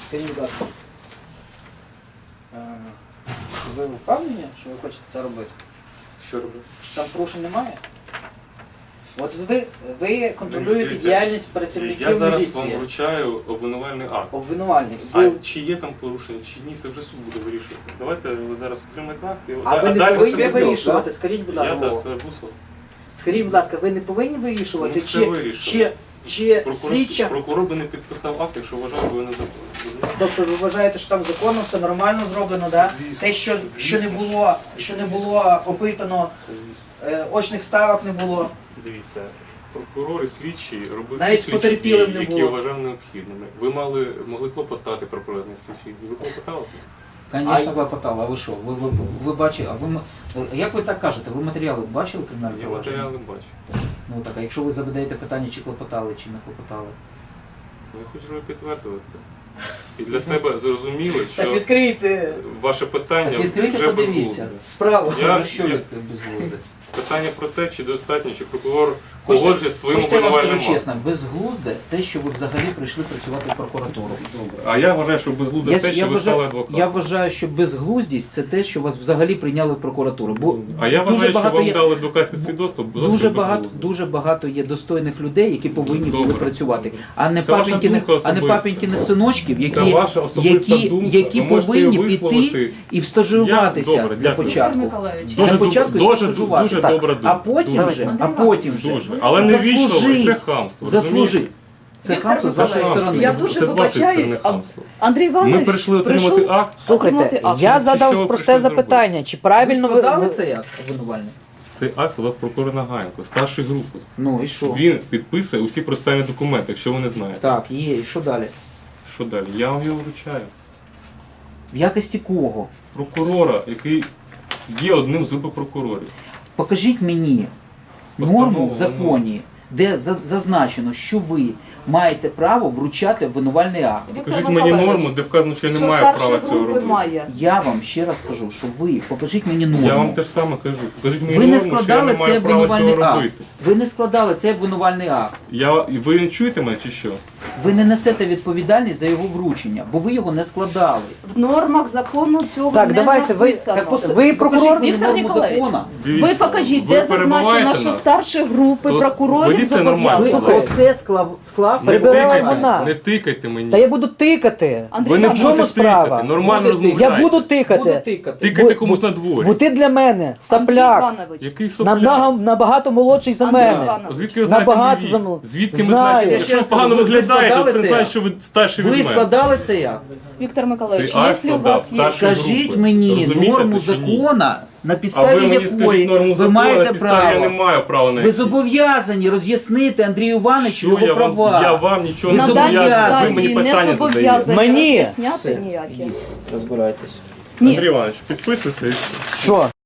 Скажіть, будь ласка, ви впевнені, що ви хочете це робити? Що робити? Там порушень немає? От ви контролюєте Дивіться, діяльність працівників Я зараз міліції. вам вручаю обвинувальний акт. Обвинувальний. А чи є там порушення, чи ні, це вже суд буде вирішувати. Давайте ви зараз отримаєте акт. А ви не далі повинні все буде. вирішувати, скажіть, будь Я ласка. так, це Бусов. Скажіть, будь ласка, ви не повинні вирішувати, Ну, все вирішили. чи слідча... Прокурор би не підписав акт, якщо вважав, що ви не законні. Тобто ви вважаєте, що там законно все нормально зроблено, да? Звісно. Те, що не було опитано, Звісно. очних ставок не було. Дивіться, прокурор і слідчі робили Навіть ті слідчі потерпілим дії, не які було. вважав необхідними. Ви могли клопотати про проведення слідчих дій. Ви клопотали? Звісно, клопотала. А ви що? Ви бачили, як ви так кажете, ви матеріали бачили кримінальне Я провадження? матеріали бачу. Ну так, а якщо ви задаєте питання, чи клопотали, чи не клопотали? Я хочу, щоб ви підтвердили це. І для себе зрозуміли, Так що відкрийте ваше питання Так відкрийте, вже подивіться. безглузде. справу. Ну, що ви безглузде? Питання про те, чи достатньо, чи прокурор Хочете- погоджує з своїм Хочете, я вам обвинувальним скажу актом. чесно, безглузде те, що ви взагалі прийшли працювати в прокуратуру. А я вважаю, що безглузде те, що ви стали адвокатом. Я вважаю, що безглуздість це те, що вас взагалі прийняли в прокуратуру. Бо А я дуже вважаю, що багато вам є- дали адвокатське свідоцтво дуже багато є достойних людей, які повинні були Добре. працювати, а не Це ваша папінькіних, думка а не особиста. папінькіних синочків, Це які, ваша особиста думка. які Ви можете її повинні піти висловити. і стажуватися Добре, для дякую. початку. Миколаївич. Дуже Для початку дуже стажуватися. добра думка. А потім Дуже. вже, а потім вже. Дуже. Але не вічно, Заслужи. це хамство. Заслужи. розумієте? Це Віктор хамство з вашої Миколаївич, сторони. я Це дуже з вашої вибачаюсь, сторони а хамство. Андрій Іванович Ми прийшли отримати прийшов акт. отримати Слухайте, акт. я Що задав ви просте прийшли запитання, чи Ви правильно складали ви... це як обвинувальник? Цей акт складав прокурор Нагаєнко, старший групи. Ну і що? Він підписує усі процесуальні документи, якщо ви не знаєте. Так, є, і що далі? Що далі? Я вам його вручаю. В якості кого? Прокурора, який є одним з групи прокурорів. Покажіть мені норму в законі, де зазначено, що ви маєте право вручати обвинувальний акт. Віктор Покажіть мені Миколаївич, норму, де вказано, що я не що маю старший права цього групи робити. має. Я вам ще раз кажу, що ви покажіть мені норму. Я вам те ж саме кажу. Покажіть мені Ви не норму, що я складали не маю цей права обвинувальний цього акт. робити. Ви не складали цей обвинувальний акт. Ви не чуєте мене чи що? Ви не несете відповідальність за його вручення, бо ви його не складали. В нормах закону цього Так, не давайте, ви- написано. Так, Ви покажіть прокурор, мені Віктор норму Ніколаєвич. закону. Ви покажіть, ви де зазначено, перебиваєте що нас. старші групи То прокурорів ведіться нормально. Ви зобов'язані. оце склав. Не Прибирала тикайте, вона. не тикайте мені. Та я буду тикати. Андрій Ви не Іванович, будете чому справа? тикати, нормально Будете. розмовляйте. Я буду тикати. Буду тикати. Тикайте Бу- комусь на дворі. Бо ти для мене Андрій сапляк. Іванович, Який сопляк? Набагато молодший за Андрій мене. Іванович. Звідки ви знаєте Набагато мій вік? замов- Звідки ми Знаю. знаєте? Я Якщо ще ви раз погано кажу, ви виглядаєте, то складали це це значить, акт? що ви старший від Ви мене. складали цей акт? Віктор Миколаївич, Цей акт якщо у складав вас є... старший Скажіть групи. мені Розумієте норму це чи ні? закона, на А ви підставі мені якої скажіть норму ви закону, маєте на підставі я не право. маю права на Ви які. зобов'язані роз'яснити Андрію Івановичу Що його я вам, права. я вам нічого Ви не На даній зобов'язаний, ви мені стадії не питання задаєте. зобов'язані Мені? роз'ясняти Все, ніякі. розбирайтесь. Ні. Андрій Іванович, підписуйте. і все. Що?